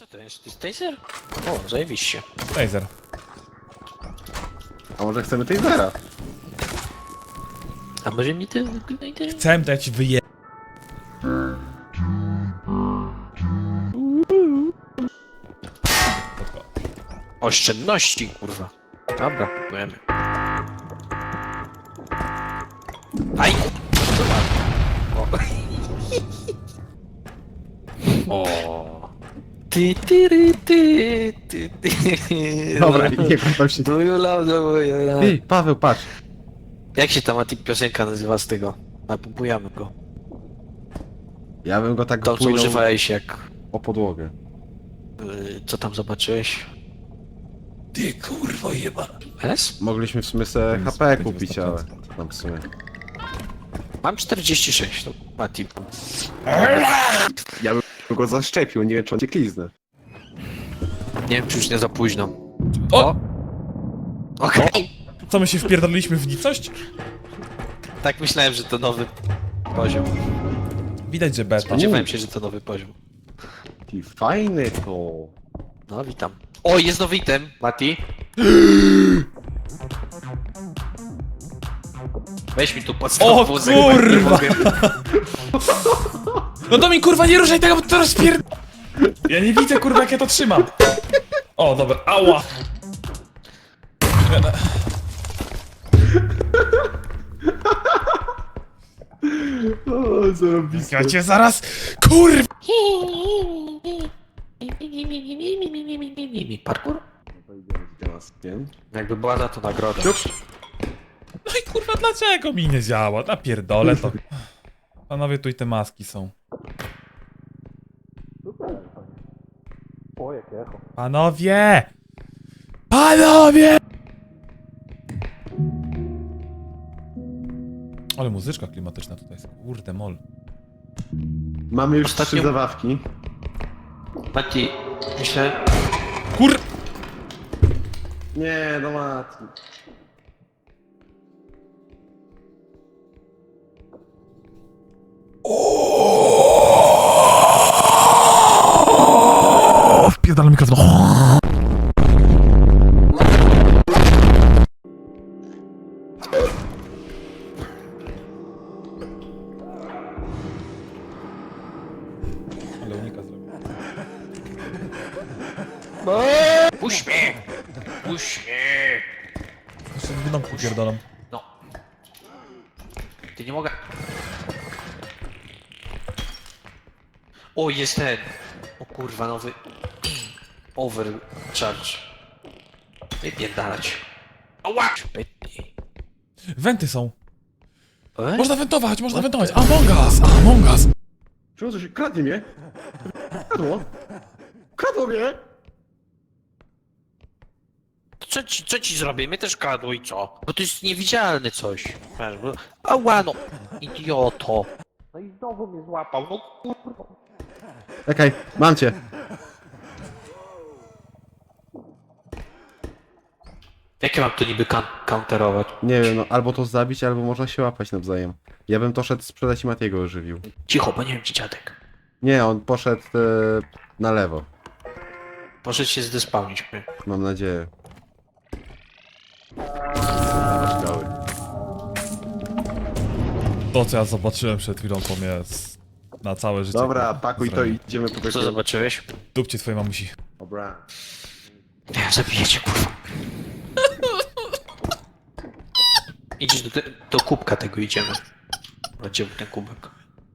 Co to jest? To jest taser? O, zajebiście. Taser. A może chcemy tasera? A może mi to... Chcę dać wyje... Oszczędności, kurwa. Dobra, kupujemy. Aj! O. O. Ty, ty, ry, ty, ty, ty. Dobra, nie tam się... Do you love the way you love? Ty, Paweł, patrz. Jak się ta Mati piosenka nazywa z tego? Napompujemy go. Ja bym go tak To, co płynął używałeś jak... o podłogę. Co tam zobaczyłeś? Ty kurwo jeba. S? Mogliśmy w sumie sobie Nic, HP będzie kupić, wystarczająco. ale... Tam w sumie... Mam 46, to Mati. Ja bym go zaszczepił, nie wiem czy on cię kliznę. Nie wiem, czy już nie za późno. O! Okej. Co, my się wpierdoliliśmy w nicość? Tak myślałem, że to nowy poziom. Widać, że beta. Spodziewałem się, że to nowy poziom. Ty, fajny to. No, witam. O, jest nowy item, Mati. Weź mi tu podstawę. O, kurwa! No to mi kurwa nie ruszaj tego, bo to rozpier... Ja nie widzę kurwa jak ja to trzymam. O, dobra, ała! O, zarobiste. Ja cię zaraz... Kurwa! Parkour? Teraz, nie? Jakby była za to nagroda. No i kurwa dlaczego mi nie działa? Napierdolę to. Panowie, tu i te maski są. O, jakie echo. Panowie! Panowie! Ale muzyczka klimatyczna tutaj jest. Kurde mol. Mamy już Ostatnio- 3 zabawki. Mati, myślę... Kur... Nie, no Mati. O, wpierdala mikrofon. Ale unika zrobił. Puść mnie! Puść mnie! Jeszcze w domku pierdolam. No. Ty nie mogę... O, jest ten. O kurwa, nowy... Overcharge. Wypierdalać. Ała! Pytnie. Wenty są. E? Można wentować, można wentować. Among Us, Among Us. Czemu to się... Kradnie mnie? Kradło? Kradło mnie? Co ci zrobię? My też kradło i co? Bo to jest niewidzialne coś. Ała no! Idioto! No i znowu mnie złapał, no kurwa. Czekaj, mam cię. Jak ja mam to niby counterować? Nie wiem, no albo to zabić, albo można się łapać nawzajem. Ja bym to szedł sprzedać i Matiego ożywił. Cicho, bo nie wiem gdzie dziadek. Nie, on poszedł na lewo. Proszę się zdespawnić. Mam nadzieję. Dawać gały. To co ja zobaczyłem przed chwilą to mnie na całe życie. Dobra, pakuj to i idziemy po Co prostu. zobaczyłeś? Dupcie twojej mamusi. Dobra. Nie, zabijecie kurwa. Idziesz do kubka tego idziemy. Gdzie był ten kubek?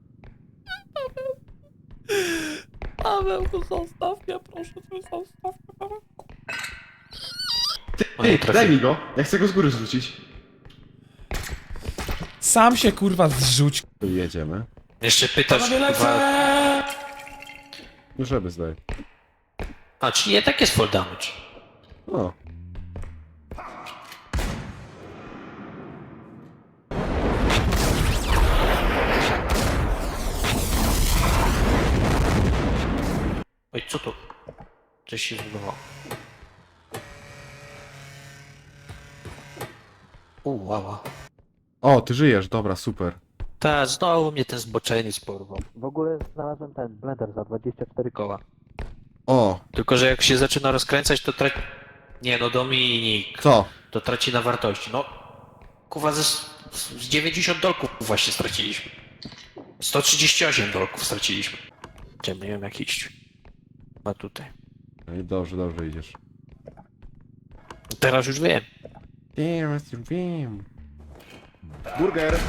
Pawełku, zostaw mnie, proszę cię, zostaw mnie, Paweł. O, nie Ty, trafię. daj mi go. Ja chcę go z góry zrzucić. Sam się kurwa zrzuć. Tu jedziemy. Jeszcze pytasz Panowie, chyba... lecę! No żeby zdaj. A, czyli jednak jest full damage. O. Oj, co to? Coś się zbudowało. Łała. O, ty żyjesz, dobra, super. Ta, znowu mnie ten zboczeniec porwał. W ogóle znalazłem ten blender za 24 koła. O, Tylko, że jak się zaczyna rozkręcać, to traci... Nie no, Dominik, co? to traci na wartości. No, kurwa, z 90 dolków właśnie straciliśmy. 138 dolków straciliśmy. Czemu nie wiem jak iść. Chyba tutaj. No i dobrze, dobrze idziesz. Teraz już wiem. Teraz już wiem. Burger!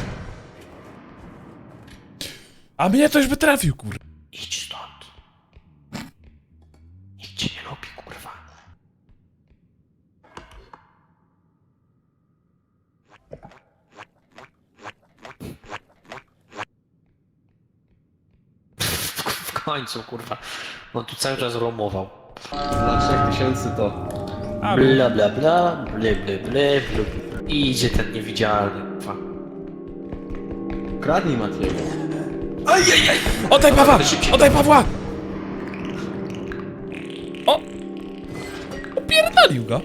A mnie to już by trafił, kurwa. Idź stąd. Nikt cię nie lubi, kurwa. W końcu, kurwa. On tu cały czas romował. Za 3000 to... A, Bla bla bla, ble ble ble, ble. I idzie ten niewidzialny, kurwa. Kradnij Matiego. Ajajaj! oddaj Pawła! Oddaj Pawła! O! Opierdolił go.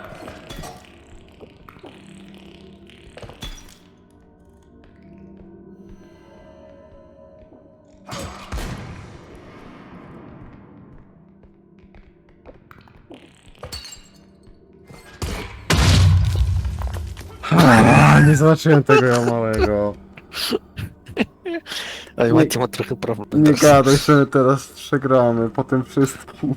Nie zobaczyłem tego ja małego. Ale Mati ma trochę problem. Nie gadaj, że my teraz przegramy po tym wszystkim.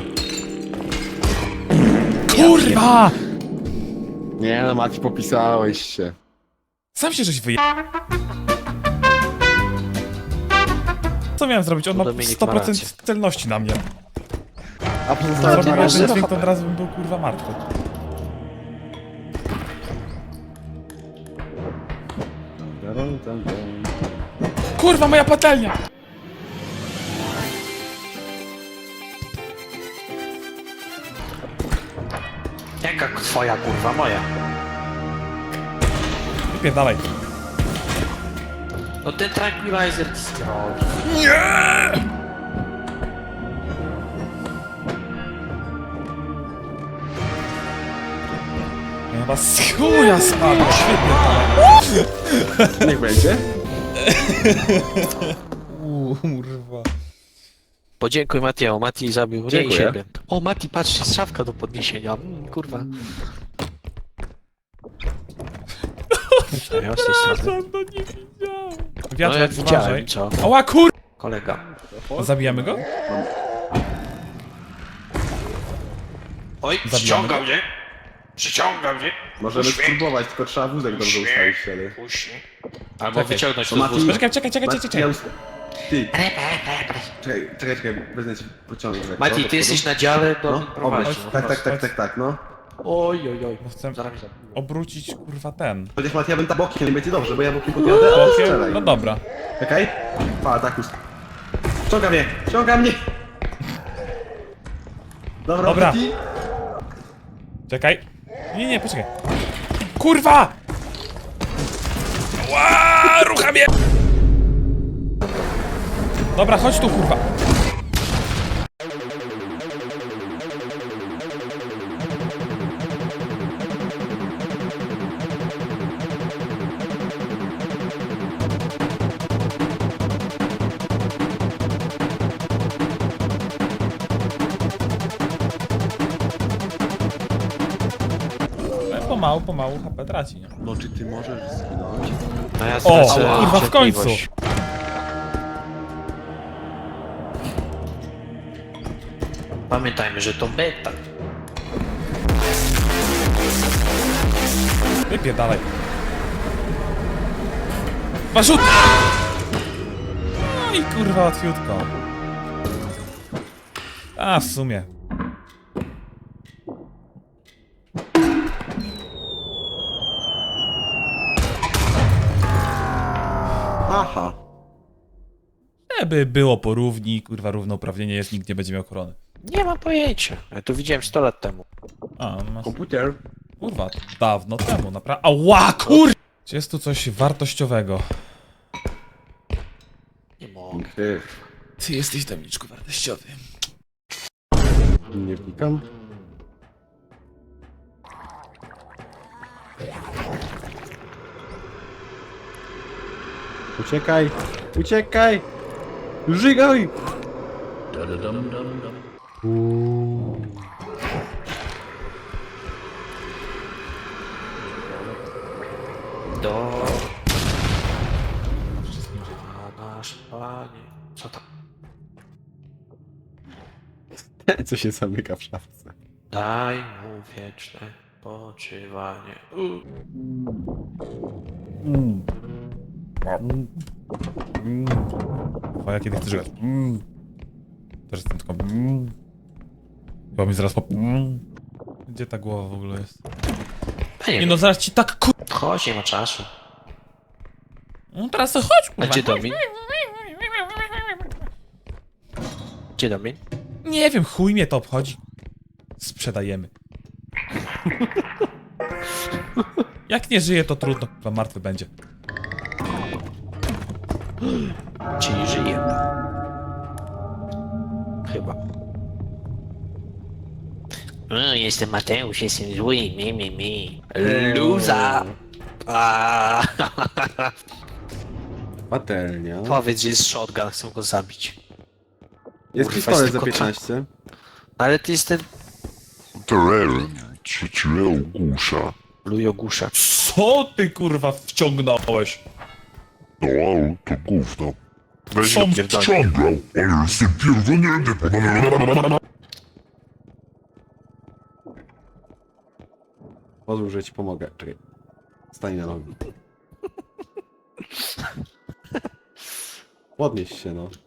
Kurwa! Nie no, Mati, popisałeś się. Sam się żeś wyje... Co miałem zrobić? On ma Dominik ma rację. 100% celności na mnie. A pozostałe Zrobił dwa jeden dźwięk, to od razu bym był kurwa martwy. Kurwa, moja patelnia! Jaka twoja, kurwa, moja? Wypierdalaj. No ten tranquilizer zdrowy. Ja chyba z chuja spadł, świetnie to. Niech będzie. Kurwa. Podziękuj Matiemu, Mati zabił mnie i Dziękuję. siebie. O Mati, patrz, jest szafka do podniesienia. Kurwa. Ja z tej strony. Przepraszam, to nie widziałem. No Wiatr, jak uważaj. widziałem, co? Ała kur... Kolega. Zabijamy go? Oj, Zabijamy przyciąga go? mnie. Przyciąga mnie. Możemy spróbować, tylko trzeba wózek dobrze ustawić wtedy. Puść. Albo Czekaj. wyciągnąć To to z Mati- wózka. Czekaj. Mati, ja Ty, czekaj, wezmę ci pociągnąć. Mati, ty jesteś na dziale, to No, prowadzi. obróć. Tak, no. Oj, oj, oj. Bo chcę Zaraz mnie zabiję. obrócić kurwa ten. Chociaż Mati, ja bym tam bokiem, nie będzie dobrze, bo ja bokiem podjadę, a ty Bokiem? strzelaj. No dobra. Czekaj. Pa, tak już. Ściąga mnie! Dobra. Dobra. Mati. Czekaj. Nie, poczekaj. Kurwa! Ła, rucha mnie! Dobra, chodź tu, kurwa. Pomału HP traci, nie? No czy ty możesz zginąć? No ja O, stracę kurwa, w końcu. cierpliwość. Pamiętajmy, że to beta. Wypierdalaj. Marzut! No i kurwa łatwiutko. A, w sumie. Aha. Żeby było porówni, kurwa, równouprawnienie jest, nikt nie będzie miał korony. Nie mam pojęcia. Ja to widziałem 100 lat temu. A, masz... Komputer. Kurwa, dawno temu, naprawdę. Ała, kur... Czy jest tu coś wartościowego? Nie mogę. Ty. Ty jesteś damiczku wartościowy. Nie wnikam. Uciekaj! Uciekaj! Żygaj! Do... Wszystkim żyje. A nasz Panie... Co tam? Co się zamyka w szafce? Daj mu wieczne poczywanie. Twoja, kiedy chcesz grać? Też jestem tylko... Chyba mi zaraz po... Gdzie ta głowa w ogóle jest? Nie Nie no, zaraz ci tak kur... Chodź, nie ma czasu. No teraz to chodź, A kurwa. gdzie Domin? Gdzie Domin? Nie wiem, chuj mnie to obchodzi. Sprzedajemy. Jak nie żyje, to trudno, kurwa, martwy będzie. Czyli żyje. Chyba. Jestem Mateusz, jestem zły, mi. Luza! Patelnia. Powiedz, że jest shotgun, chcę go zabić. Jest Kurwa, pistolet jest za tylko 15. Ale ty jest ten... Teren trzeciego gusza. Lujogusza. Co ty, kurwa, wciągnąłeś? No ale to gówno. Weź Są go wciągał, ale jestem pierdolnięty. Pozwól, że ci pomogę. Czekaj. Stań na nogi. Podnieś się, no.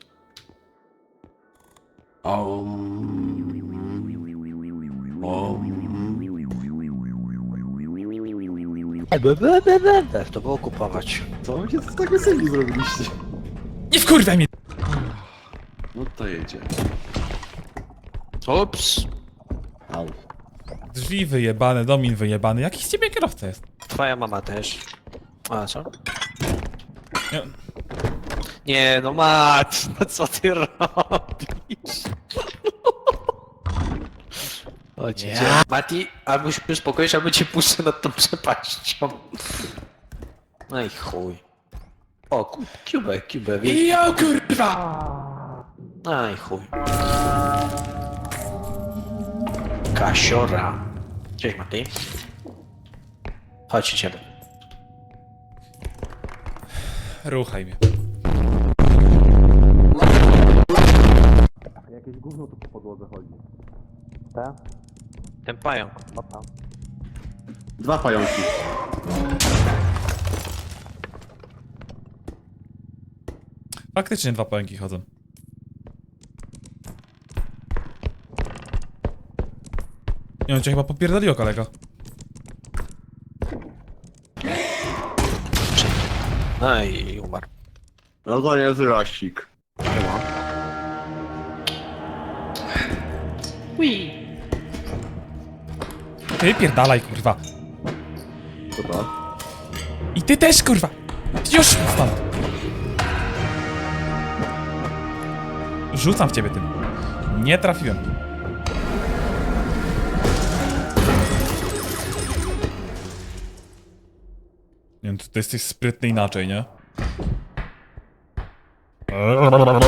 To było kupować. Co wy się tak weselni zrobiliście? Nie wkurwaj mnie! No to jedzie. Ups. Au. Drzwi wyjebane, Domin wyjebany. Jaki z ciebie kierowca jest? Twoja mama też. A co? Nie. Nie, no Mat, no co ty robisz? Chodź, ja. Mati, albo się uspokoisz, albo cię puszczę nad tą przepaścią. No i chuj. O, Cube, wiesz? Ja kurwa! No i chuj. Kasiora. Cześć Mati. Chodź ciebie. Ruchaj mnie. Jakieś gówno tu po podłodze chodzi. Tak? Ten pająk. Opa. 2 pająki. Faktycznie 2 pająki chodzą. Nie, on cię chyba popierdoliło, kolego. No i umarł. No to nie jest rasik. Ty pierdalaj, kurwa. Co to? I ty też, kurwa! Już stąd! Rzucam w ciebie tym. Nie trafiłem. Nie wiem, ty jesteś sprytny inaczej, nie?